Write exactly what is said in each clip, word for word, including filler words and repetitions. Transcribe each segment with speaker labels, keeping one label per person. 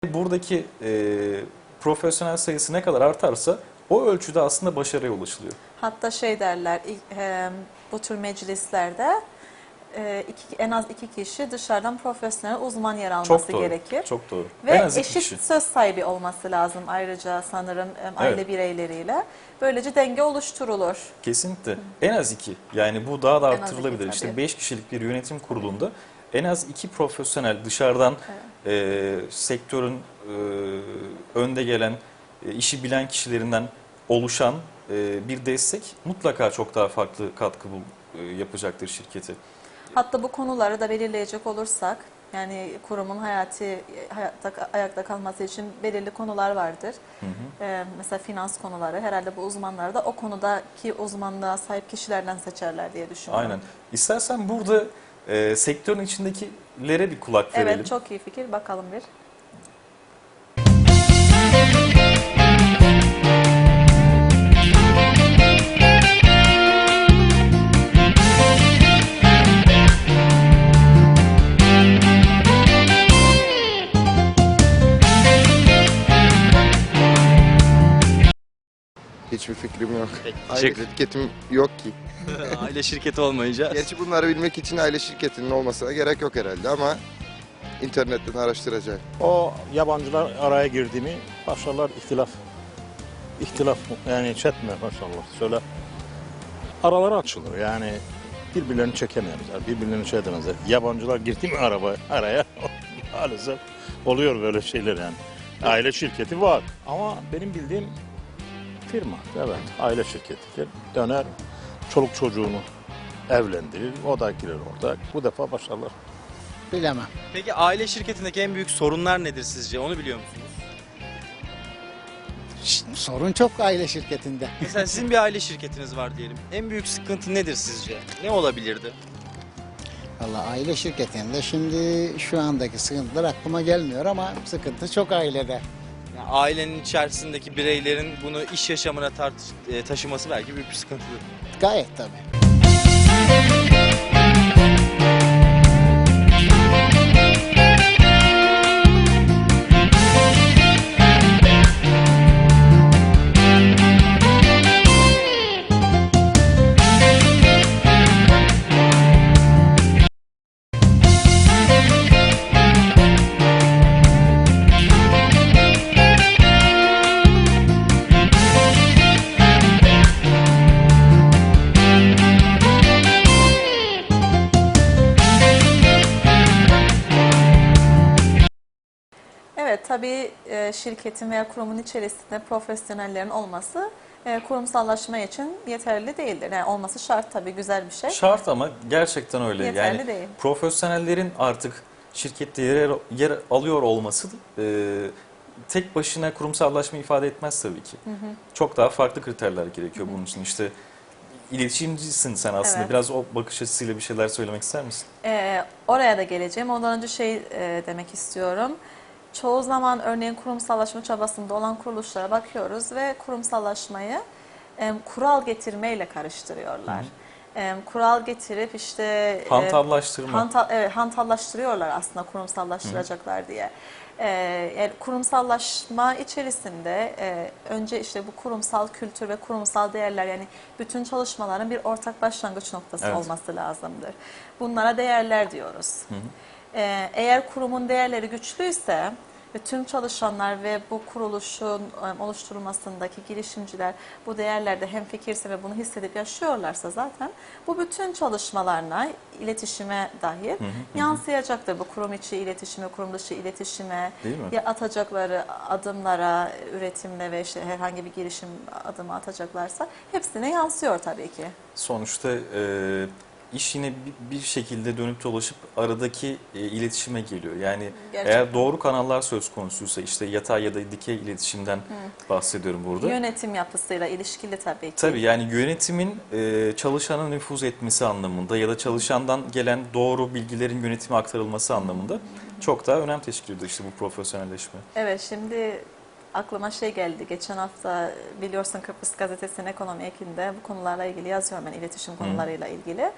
Speaker 1: Buradaki e, profesyonel sayısı ne kadar artarsa o ölçüde aslında başarıya ulaşılıyor.
Speaker 2: Hatta şey derler, ilk, e, bu tür meclislerde e, iki, en az iki kişi dışarıdan profesyonel uzman yer alması
Speaker 1: Çok doğru,
Speaker 2: gerekir.
Speaker 1: çok doğru.
Speaker 2: Ve
Speaker 1: En az iki
Speaker 2: eşit
Speaker 1: kişi.
Speaker 2: söz sahibi olması lazım ayrıca sanırım e, aile
Speaker 1: Evet.
Speaker 2: bireyleriyle. Böylece denge oluşturulur.
Speaker 1: Kesinlikle. En az iki. Yani bu daha da
Speaker 2: En az iki,
Speaker 1: arttırılabilir.
Speaker 2: tabii.
Speaker 1: İşte beş kişilik bir yönetim kurulunda en az iki profesyonel dışarıdan e, sektörün e, önde gelen, e, işi bilen kişilerinden oluşan e, bir destek mutlaka çok daha farklı katkı bul, e, yapacaktır şirkete.
Speaker 2: Hatta bu konuları da belirleyecek olursak, yani kurumun hayati hayatta, ayakta kalması için belirli konular vardır.
Speaker 1: Hı hı.
Speaker 2: Ee, mesela finans konuları, herhalde bu uzmanları da o konudaki uzmanlığa sahip kişilerden seçerler diye düşünüyorum.
Speaker 1: Aynen. İstersen burada e, sektörün içindekilere bir kulak verelim.
Speaker 2: Evet, çok iyi fikir. Bakalım bir.
Speaker 3: Hiçbir fikrim yok.
Speaker 4: Peki,
Speaker 3: Aile
Speaker 4: teşekkür
Speaker 3: şirketim yok ki.
Speaker 4: Aile şirketi olmayınca
Speaker 3: Gerçi bunları bilmek için aile şirketinin olmasına gerek yok herhalde ama internetten araştıracağım.
Speaker 5: O yabancılar araya girdi mi başlarlar ihtilaf. İhtilaf yani çetme maşallah söyle. Araları açılır yani birbirlerini çekemezler, birbirlerini şey edemezler. Yabancılar girdi mi araba araya maalesef oluyor böyle şeyler yani. Aile şirketi var ama benim bildiğim firma evet aile şirketidir. Döner çoluk çocuğunu evlendirir, o da girer orada. Bu defa başlarlar.
Speaker 6: Bilemem.
Speaker 4: Peki aile şirketindeki en büyük sorunlar nedir sizce? Onu biliyor musunuz?
Speaker 6: Şşt, sorun çok aile şirketinde.
Speaker 4: Mesela sizin bir aile şirketiniz var diyelim. En büyük sıkıntı nedir sizce? Ne olabilirdi?
Speaker 6: Valla aile şirketinde şimdi şu andaki sıkıntılar aklıma gelmiyor ama sıkıntı çok ailede.
Speaker 4: Yani ailenin içerisindeki bireylerin bunu iş yaşamına tartış- e, taşıması belki büyük bir sıkıntıdır.
Speaker 6: Gayet tabii.
Speaker 2: Evet, tabii e, şirketin veya kurumun içerisinde profesyonellerin olması e, kurumsallaşma için yeterli değildir. Yani olması şart tabii, güzel bir şey.
Speaker 1: Şart ama gerçekten öyle.
Speaker 2: Yeterli
Speaker 1: yani
Speaker 2: değil.
Speaker 1: profesyonellerin artık şirkette yer, yer alıyor olması e, tek başına kurumsallaşma ifade etmez tabii ki.
Speaker 2: Hı hı.
Speaker 1: Çok daha farklı kriterler gerekiyor bunun için. İşte iletişimcisin sen aslında.
Speaker 2: Evet.
Speaker 1: Biraz o bakış açısıyla bir şeyler söylemek ister misin?
Speaker 2: Ee, oraya da geleceğim. Ondan önce şey e, demek istiyorum. Çoğu zaman örneğin kurumsallaşma çabasında olan kuruluşlara bakıyoruz ve kurumsallaşmayı e, kural getirmeyle karıştırıyorlar. E, kural getirip işte e,
Speaker 1: Hantallaştırma.
Speaker 2: hanta- evet, hantallaştırıyorlar aslında kurumsallaştıracaklar diye. E, yani kurumsallaşma içerisinde e, önce işte bu kurumsal kültür ve kurumsal değerler, yani bütün çalışmaların bir ortak başlangıç noktası
Speaker 1: Evet.
Speaker 2: olması lazımdır. Bunlara değerler diyoruz.
Speaker 1: Hı hı.
Speaker 2: Ee, eğer kurumun değerleri güçlüyse ve tüm çalışanlar ve bu kuruluşun e, oluşturulmasındaki girişimciler bu değerlerde hemfikirse ve bunu hissedip yaşıyorlarsa zaten bu bütün çalışmalarına, iletişime dair
Speaker 1: Hı hı, hı.
Speaker 2: yansıyacaktır. Bu kurum içi iletişime, kurum dışı iletişime,
Speaker 1: Değil mi?
Speaker 2: ya atacakları adımlara, üretimle ve işte herhangi bir girişim adımı atacaklarsa hepsine yansıyor tabii ki.
Speaker 1: Sonuçta e, iş yine bir, bir şekilde dönüp dolaşıp aradaki e, iletişime geliyor. Yani
Speaker 2: Gerçekten.
Speaker 1: eğer doğru kanallar söz konusuysa, işte yatay ya da dikey iletişimden bahsediyorum burada.
Speaker 2: Yönetim yapısıyla ilişkili tabii ki.
Speaker 1: Tabii yani yönetimin e, çalışana nüfuz etmesi anlamında ya da çalışandan gelen doğru bilgilerin yönetime aktarılması anlamında çok daha önem teşkil ediyor işte bu profesyonelleşme.
Speaker 2: Evet, şimdi aklıma şey geldi. Geçen hafta biliyorsun Kıbrıs Gazetesi'nin ekonomi ekinde bu konularla ilgili yazıyorum ben, iletişim konularıyla ilgili.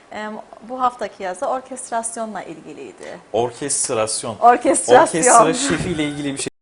Speaker 2: E, bu haftaki yazı orkestrasyonla ilgiliydi.
Speaker 1: Orkestrasyon.
Speaker 2: Orkestrasyon.
Speaker 1: Orkestra şefiyle ilgili bir şey.